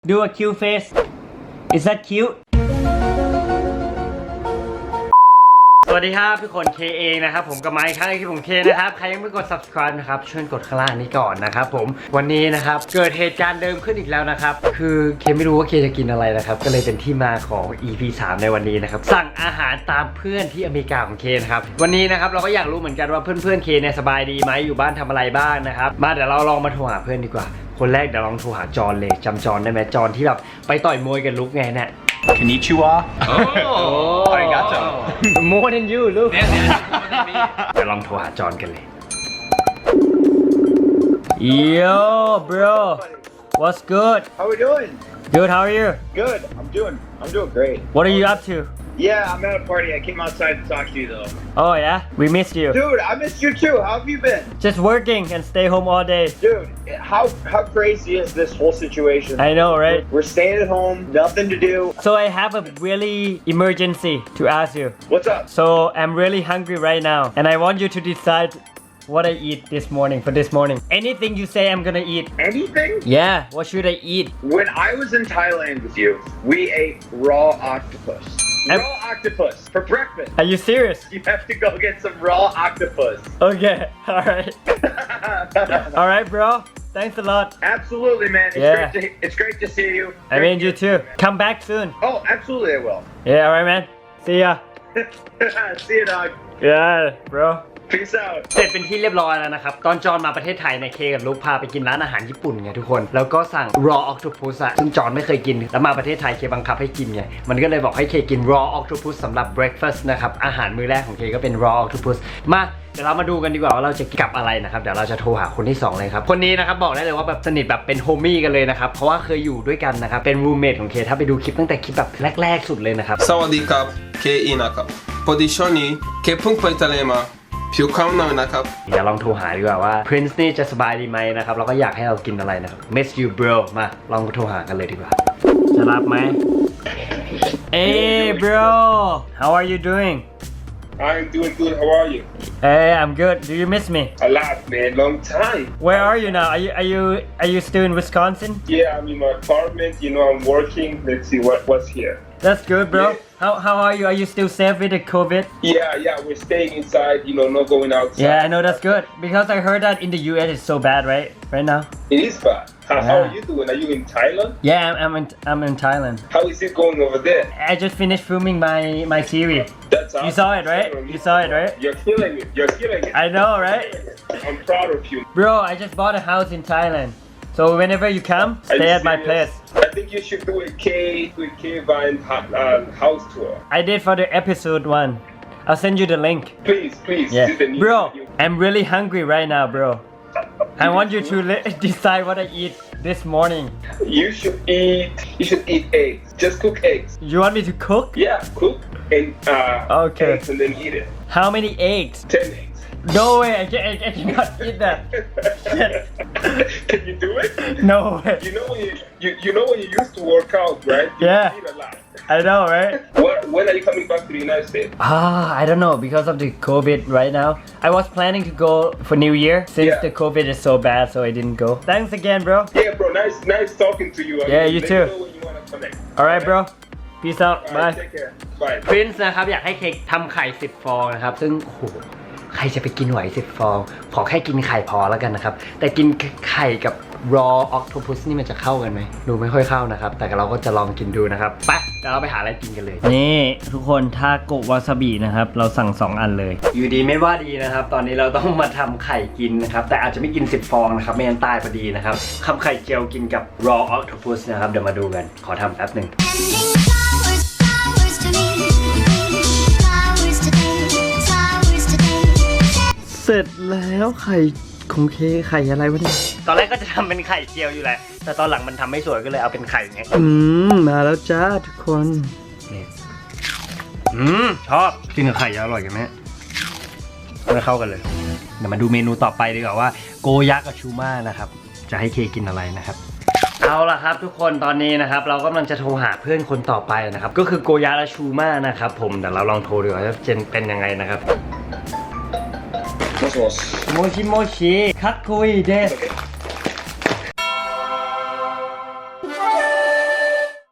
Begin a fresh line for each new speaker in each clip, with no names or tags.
Do a cute face. Is that cute? สวัสดีครับทุกคนเคเองนะครับผมกับไมค์ครั้งที่ผมเคนะครับใครยังไม่กด subscribe นะครับช่วยกดข้างล่างนี้ก่อนนะครับผมวันนี้นะครับเกิดเหตุการณ์เดิมขึ้นอีกแล้วนะครับคือเคไม่รู้ว่าเคจะกินอะไรนะครับก็เลยเป็นที่มาของ EP 3 ในวันนี้นะครับสั่งอาหารตามเพื่อนที่อเมริกาของเคนะครับวันนี้นะครับเราก็อยากรู้เหมือนกันว่าเพื่อนๆเคเนี่ยสบายดีไหมอยู่บ้านทำอะไรบ้างนะครับมาเดี๋ยวเราลองมาโทรหาเพื่อนดีกว่าคนแรกเดี๋ยวลองโทรหาจอนเลยจำจอนได้ไหมจอนที่แบบไปต่อยมวยกับลุกไงเนี่ย
Konnichiwa.
Oh,
arigato.
More than you, look.
Yeah, more than me.
เดี๋ยวลองโทรหาจอนกันเลย Yo, bro. What's good?
How we doing?
Good, how are you?
Good. I'm doing great.
What are you up to?
Yeah, I'm at a party. I came outside to talk to you though.
Oh yeah? We missed you.
Dude, I missed you too. How have you been?
Just working and stay home all day.
Dude, how crazy is this whole situation?
I know, right?
We're staying at home, nothing to do.
So I have a really emergency to ask you.
What's up?
So I'm really hungry right now and I want you to decide what I eat this morning for this morning. Anything you say I'm gonna eat.
Anything?
Yeah, what should I eat?
When I was in Thailand with you, we ate raw octopus. Raw octopus for breakfast.
Are you serious?
You have to go get some raw octopus.
Okay, alright. Alright, bro. Thanks a lot.
Absolutely, man.
Yeah.
It's great to see you.
I mean, you too. Come back soon.
Oh, absolutely, I will.
Yeah, alright, man. See ya.
See you, dog.
Yeah, bro.
Peace out.
เสร็จเป็นที่เรียบร้อยแล้วนะครับตอนจอนมาประเทศไทยในเคกับลุกพาไปกินร้านอาหารญี่ปุ่นไงทุกคนแล้วก็สั่ง raw octopus อะซึ่งจอนไม่เคยกินแล้วมาประเทศไทยเคบังคับให้กินไงมันก็เลยบอกให้เคกิน raw octopus สำหรับ breakfast นะครับอาหารมื้อแรกของเคก็เป็น raw octopus มาเดี๋ยวเรามาดูกันดีกว่าว่าเราจะกับอะไรนะครับเดี๋ยวเราจะโทรหาคนที่2เลยครับคนนี้นะครับบอกได้เลยว่าแบบสนิทแบบเป็นโฮมี่กันเลยนะครับเพราะว่าเคยอยู่ด้วยกันนะครับเป็น roommate ของเคถ้าไปดูคลิปตั้งแต่คลิปแบบแรกๆสุดเลยนะครับ
สวัสดีครับเคอีนะครับพอดีช่วงนี้เคเพิ่งไปทะเลมาผิวขาวหน่อยนะครับ
เดี๋ยวลองโทรหาดีกว่าว่า Prince นี่จะสบายดีไหมนะครับแล้วก็อยากให้เรากินอะไรนะครับ Miss you bro มาลองโทรหากันเลยดีกว่าจะรับไหม Hey bro how are you doing
I'm doing good. How are you?
Hey I'm good do you miss me
A lot, man. Long time.
Where are you now are you still in Wisconsin
Yeah, I'm in my apartment. You know, I'm working. Let's see what's here.
That's good bro
Yeah.
how are you you still safe with the COVID
Yeah. We're staying inside. You know, not going outside.
Yeah I know that's good because I heard that in the US it's so bad right now
It is bad. How
Yeah.
are you doing? Are you in Thailand?
Yeah I'm in Thailand
How is it going over there?
I just finished filming my series
That's awesome.
You saw it, right? You saw it, right?
You're killing it. You're killing it.
I know, right?
I'm proud of you.
Bro, I just bought a house in Thailand. So whenever you come,
Are
stay
you
at my
serious?
place.
I think you should do a K Vine house tour.
I did for the episode 1. I'll send you the link.
Please.
Yeah.
Do the new
Bro,
video.
I'm really hungry right now, bro. I want you to decide what I eat this morning.
You should eat eggs. Just cook eggs.
You want me to cook?
Yeah, cook and
Okay.
eggs and then eat it.
How many eggs?
10 eggs.
No way, I cannot eat that. Shit.
Can you do it?
No way.
You know when you used to work out, right? You
Yeah.
eat a lot.
I know, right?
When are you coming back to the United States?
I don't know because of the COVID right now. I was planning to go for New Year since
Yeah.
the COVID is so bad, so I didn't go. Thanks again, bro.
Yeah, bro. Nice talking to you.
Yeah, you
let
too.
Me know when you wanna connect.
Alright, bro. Peace out.
Alright,
Bye.
take care. Bye.
Prince นะครับอยากให้เค้กทำไข่10 ฟองนะครับซึ่งโอ้โหใครจะไปกินไหว10 ฟองขอแค่กินไข่พอแล้วกันนะครับแต่กินไข่กับ raw octopus นี่มันจะเข้ากันไหมดูไม่ค่อยเข้านะครับแต่เราก็จะลองกินดูนะครับไปเดี๋ยวเราไปหาอะไรกินกันเลยนี่ทุกคนทาโกะวาซาบินะครับเราสั่ง2 อันเลยอยู่ดีไม่ว่าดีนะครับตอนนี้เราต้องมาทำไข่กินนะครับแต่อาจจะไม่กิน10 ฟองนะครับไม่งั้นตายพอดีนะครับทำไข่เจียวกินกับ raw octopus นะครับเดี๋ยวมาดูกันขอทำแป๊บหนึ่งเสร็จแล้วไข่ของเคไข่อะไรวะเนี่ยตอนแรกก็จะทำเป็นไข่เจียวอยู่แหละแต่ตอนหลังมันทำไม่สวยก็เลยเอาเป็นไข่ไงมาแล้วจ้าทุกคนนี่ชอบกินกับไข่อร่อยกันไหมไม่เข้ากันเลยเดี๋ยวมาดูเมนูต่อไปดีกว่าว่าโกยะกับชูมานะครับจะให้เคกินอะไรนะครับเอาล่ะครับทุกคนตอนนี้นะครับเรากำลังจะโทรหาเพื่อนคนต่อไปนะครับก็คือโกยะและชูมานะครับผมเดี๋ยวเราลองโทรดูว่าจะเป็นยังไงนะครับโมชิโมชิคัตคุยเดส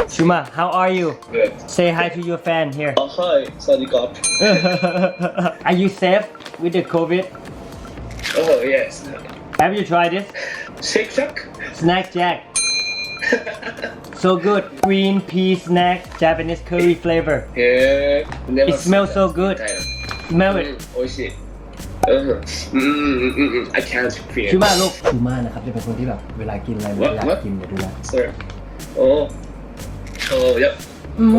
Shuma, how are you?
Good.
Say hi to your fan here.
Oh, hi, Sadikop.
Are you safe with the COVID?
Oh, yes.
Have you tried it?
Shake Shack?
Snack Jack. So good. Green pea snack, Japanese curry flavor.
Yeah. Never
It smells
seen
so
that.
good.
Thailand.
Smell it.
Oh shit. I can't feel.
ชูมาลูกชูมานะครับจะเป็นคนที่แบบเวลากินอะไรมันอยากกินเดี๋ยวดูนะ
Sir. Oh. Oh, yep.
โอ้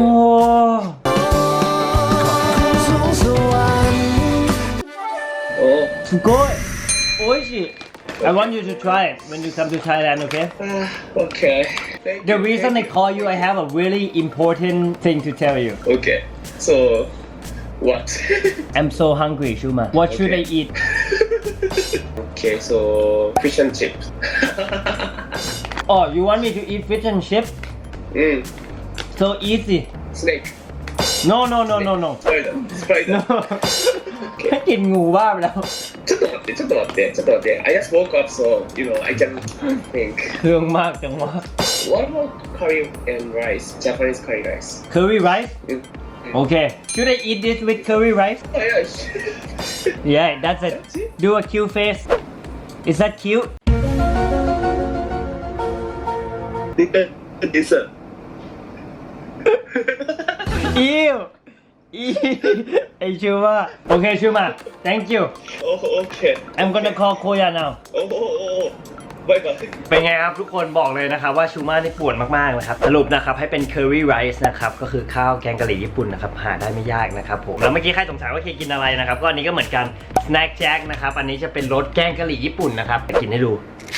Oh.
สุโกยโอ้ยชิ I want you to try it when you come to Thailand, okay?
Okay. Thank
The
you.
reason I call you, I have a really important thing to tell you.
Okay. So, what?
I'm so hungry, Shuma. What should I
Okay.
eat?
Okay, so fish and chips.
Oh, you want me to eat fish and chips? So easy.
Snake.
No.
Spider. Spider.
No. แค่กินงูบ้าไปแล้ว
ちょっと待って。I just woke up, so I can think.
เครื่องมากจังวะ
What about curry and rice? Japanese curry rice.
Curry rice? Okay. Should I eat this with curry rice?
Oh yeah.
Yeah, that's it. Do a cute face. Is that cute?
Dessert.
Ew. Hey, Shuma. Okay, Shuma. Thank you.
Oh, okay.
I'm gonna call Koya now.
Oh. Bye bye.
เป็นไงครับทุกคนบอกเลยนะครับว่าชูมานี่ป่วนมากๆนะครับสรุปนะครับให้เป็น curry rice นะครับก็คือข้าวแกงกะหรี่ญี่ปุ่นนะครับหาได้ไม่ยากนะครับผมแล้วเมื่อกี้ใครสงสัยว่าเคกินอะไรนะครับก็อันนี้ก็เหมือนกัน snack jack นะครับอันนี้จะเป็นรสแกงกะหรี่ญี่ปุ่นนะครับจะกินให้ดู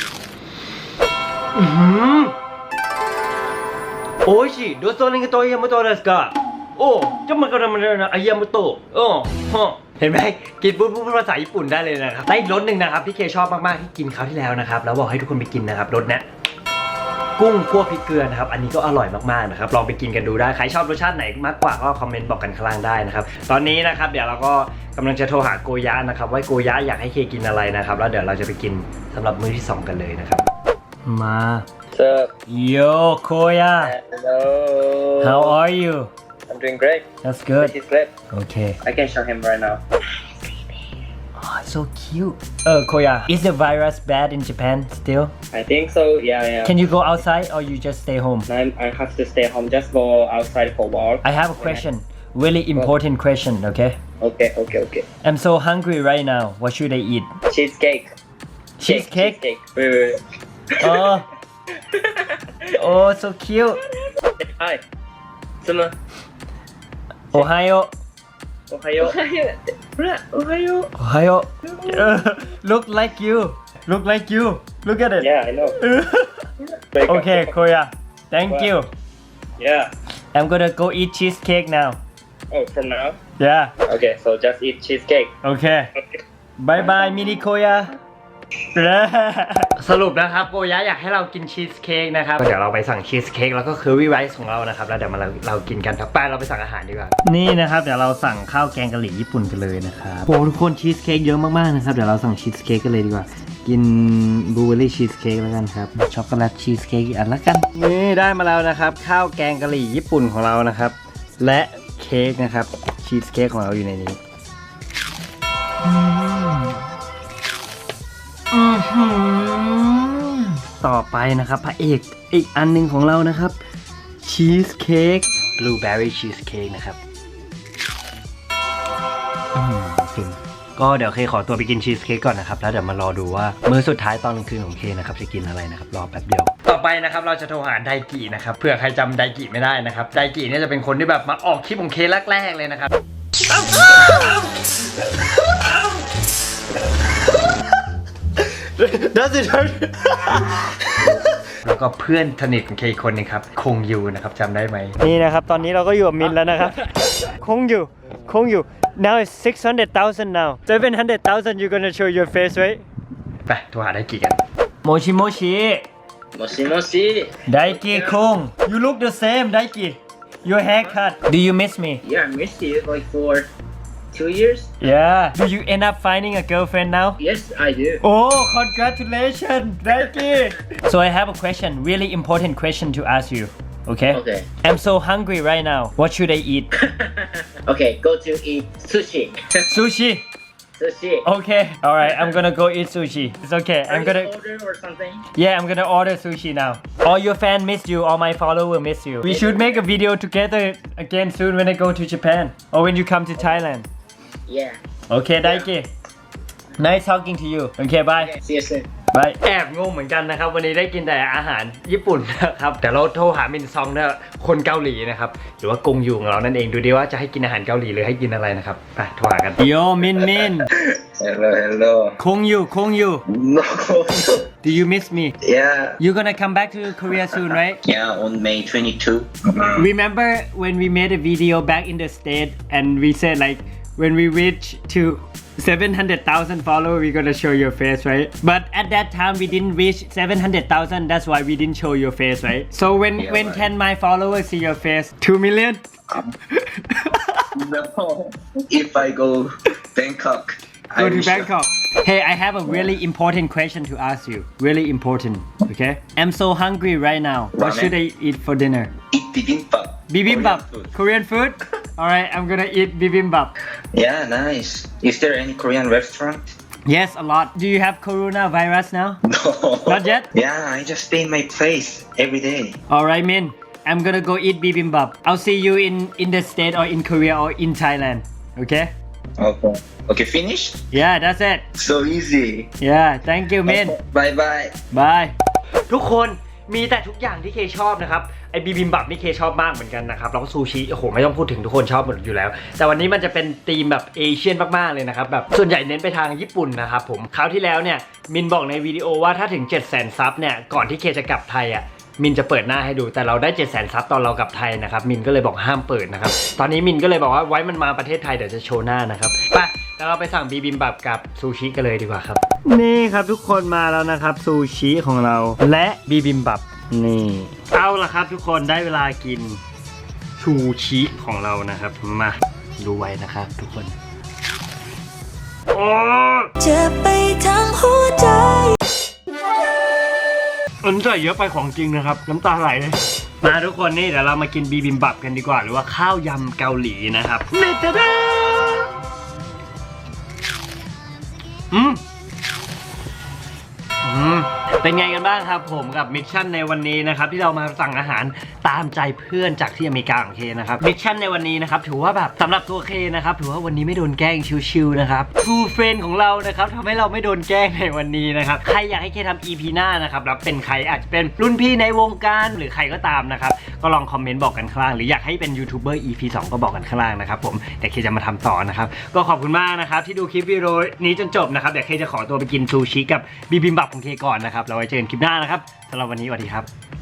โอ้ยชิโดโซนิงโตยามุโตะですかโอ้จะมันก็มันนะอายามุโตะโอ้ฮะเห็นไหมกินปุ๊บภาษาญี่ปุ่นได้เลยนะครับได้รสหนึ่งนะครับที่เคชอบมากๆที่กินคราวที่แล้วนะครับแล้วบอกให้ทุกคนไปกินนะครับรสเนี้ยกุ้งคั่วพริกเกลือนะครับอันนี้ก็อร่อยมากๆนะครับลองไปกินกันดูได้ใครชอบรสชาติไหนมากกว่าก็คอมเมนต์บอกกันข้างล่างได้นะครับตอนนี้นะครับเดี๋ยวเราก็กำลังจะโทรหาโกยะนะครับว่าโกยะอยากให้เคกินอะไรนะครับแล้วเดี๋ยวเราจะไปกินสำหรับมื้อที่2กันเลยนะครับมา
What's up?
Yo Koya
Hello.
How are you
I'm doing great.
That's good
He's great.
Okay
I can show him right now.
Oh so cute Koya is the virus bad in Japan still
I think so. Yeah.
Can you go outside or you just stay home
I have to stay home. Just go outside for a walk.
I have a question really important question okay
Okay.
I'm so hungry right now what should I eat
Cheesecake.
Cheesecake
Wait.
Oh Oh so cute
Hi. Suma.
Ohio
Ohayo.
Ohio Look like you Look at it
Yeah, I know.
Okay Koya Thank you
Yeah.
I'm gonna go eat cheesecake now
Oh, from now.
Yeah
Okay, so just eat cheesecake.
Okay
Okay.
Bye bye มินิโคยา สรุปนะครับโกยะอยากให้เรากินชีสเค้กนะครับเดี๋ยวเราไปสั่งชีสเค้กแล้วก็เคอรี่ไรซ์ของเรานะครับแล้วเดี๋ยวมาเรากินกันครับไปเราไปสั่งอาหารดีกว่านี่นะครับเดี๋ยวเราสั่งข้าวแกงกะหรี่ญี่ปุ่นกันเลยนะครับโอ้ทุกคนชีสเค้กเยอะมากๆนะครับเดี๋ยวเราสั่งชีสเค้กกันเลยดีกว่ากินบลูเบอร์รี่ชีสเค้กแล้วกันครับช็อกโกแลตชีสเค้กอีกอันละกันนี่ได้มาแล้วนะครับข้าวแกงกะหรี่ญี่ปุ่นของเรานะครับและเค้กนะครับชีสเค้กของเราอยู่ในนี้ต่อไปนะครับพระเอกอีกอันหนึงของเรานะครับชีสเค้กบลูเบอร์รี่ชีสเค้กนะครับก็เดี๋ยวเคขอตัวไปกินชีสเค้กก่อนนะครับแล้วเดี๋ยวมารอดูว่ามื้อสุดท้ายตอนกลางคืนของเคนะครับจะกินอะไรนะครับรอแป๊บเดียวต่อไปนะครับเราจะโทรหาไดกินะครับเผื่อใครจำไดกิไม่ได้นะครับไดกิเนี่ยจะเป็นคนที่แบบมาออกคลิปของเคแรกๆเลยนะครับDoes it hurt แล้วก็เพื่อนสนิทของเคคนนึงครับคงยูนะครับจำได้ไหมนี่นะครับตอนนี้เราก็อยู่กับมินแล้วนะครับคงยู now it's 600,000 now 700,000 you gonna show your face right ไปโทรหาไดกิกันโมชิ
Moshi.
ไดกิคง you look the same ไดกิ your haircut do you miss me
Yeah, I missed you like for 2 years.
yeah do you end up finding a girlfriend now
Yes, I do.
Oh, congratulations, Nike. So I have a question, really important question to ask you. Okay?
Okay.
I'm so hungry right now. What should I eat?
Okay, go to eat sushi.
Sushi.
Sushi.
Okay. All right. I'm gonna go eat sushi. It's okay. I'm
Are
gonna.
you order or something?
Yeah, I'm gonna order sushi now. All your fans miss you. All my followers miss you. We should make a video together again soon when I go to Japan or when you come to Thailand.
Yeah.
Okay, Daiki. Nice talking to you. Okay, bye.
Okay, see you soon.
บายแอบงงเหมือนกันนะครับวันนี้ได้กินแต่อาหารญี่ปุ่นนะครับแต่เราโทรหามินซองเนี่ยคนเกาหลีนะครับหรือว่ากงยูของเรานั่นเองดูดิว่าจะให้กินอาหารเกาหลีหรือให้กินอะไรนะครับไปโทรหากันโยมิน
Hello.
คงยู
No.
Do you miss me
Yeah.
You gonna come back to Korea soon right
Yeah, on May 22.
Remember when we made a video back in the state and we said like when we reach to 700,000 followers we're gonna show your face right but at that time we didn't reach 700,000 that's why we didn't show your face right so when
right.
can my followers see your face 2 million
No. If I go Bangkok,
go to Bangkok hey I have a really important question to ask you really important okay I'm so hungry right now what
Ramen.
should I eat for dinner
Eat bibimbap.
bibimbap
Korean food.
Korean food alright I'm gonna eat bibimbap
Yeah, nice. Is there any Korean restaurant?
yes a lot do you have coronavirus now
No.
Not yet?
Yeah, I just stay in my place every day.
Alright, Min. I'm gonna go eat bibimbap. I'll see you in the state or in Korea or in Thailand. Okay?
Okay. Okay, finished?
Yeah, that's it.
So easy.
Yeah, thank you, Min.
Bye bye.
Bye. ทุกคนมีแต่ทุกอย่างที่เคชอบนะครับไอบิบิมบับนี่เคชอบมากเหมือนกันนะครับแล้วก็ซูชิโอ้โหไม่ต้องพูดถึงทุกคนชอบหมดอยู่แล้วแต่วันนี้มันจะเป็นธีมแบบเอเชียนมากๆเลยนะครับแบบส่วนใหญ่เน้นไปทางญี่ปุ่นนะครับผมคราวที่แล้วเนี่ยมินบอกในวิดีโอว่าถ้าถึง 700,000 ซับเนี่ยก่อนที่เคจะกลับไทยอ่ะมินจะเปิดหน้าให้ดูแต่เราได้ 700,000 ซับตอนเรากลับไทยนะครับมินก็เลยบอกห้ามเปิดนะครับตอนนี้มินก็เลยบอกว่าไว้มันมาประเทศไทยเดี๋ยวจะโชว์หน้านะครับไปแล้วเราไปสั่งบิบิมบับกับซูชิกันเลยดีกว่าครับนี่ครับทุกคนมาแล้วนะครับซูชิของเราและบิบิมบับนี่เอาละครับทุกคนได้เวลากินซูชิของเรานะครับมาดูไว้นะครับทุกคนโอ้
เจ็บไปทั้งหัวใจ
อันใส่เยอะไปของจริงนะครับน้ำตาไหลเลยมาทุกคนนี่เดี๋ยวเรามากินบิบิมบับกันดีกว่าหรือว่าข้าวยำเกาหลีนะครับเนตดาเป็นไงกันบ้างครับผมกับมิชชั่นในวันนี้นะครับที่เรามาสั่งอาหารตามใจเพื่อนจากที่อเมริกาของเคนะครับมิชชั่นในวันนี้นะครับถือว่าแบบสำหรับตัวเคนะครับถือว่าวันนี้ไม่โดนแกล้งชิวๆนะครับทูเฟรนของเรานะครับทำให้เราไม่โดนแกล้งในวันนี้นะครับใครอยากให้เคทำ EP หน้านะครับแล้วเป็นใครอาจจะเป็นรุ่นพี่ในวงการหรือใครก็ตามนะครับก็ลองคอมเมนต์บอกกันข้างล่างหรืออยากให้เป็นยูทูบเบอร์ EP 2ก็บอกกันข้างล่างนะครับผมเดี๋ยวเคจะมาทำต่อนะครับก็ขอบคุณมากนะครับที่ดูคลิปวิดีโอนี้จนจบนะครับเดี๋ยวเคจะขอตัวไปกินซูชิกับบิบิมบับของเคก่อนนะครับเราไว้เจอกันคลิปหน้านะครับสำหรับวันนี้สวัสดีครับ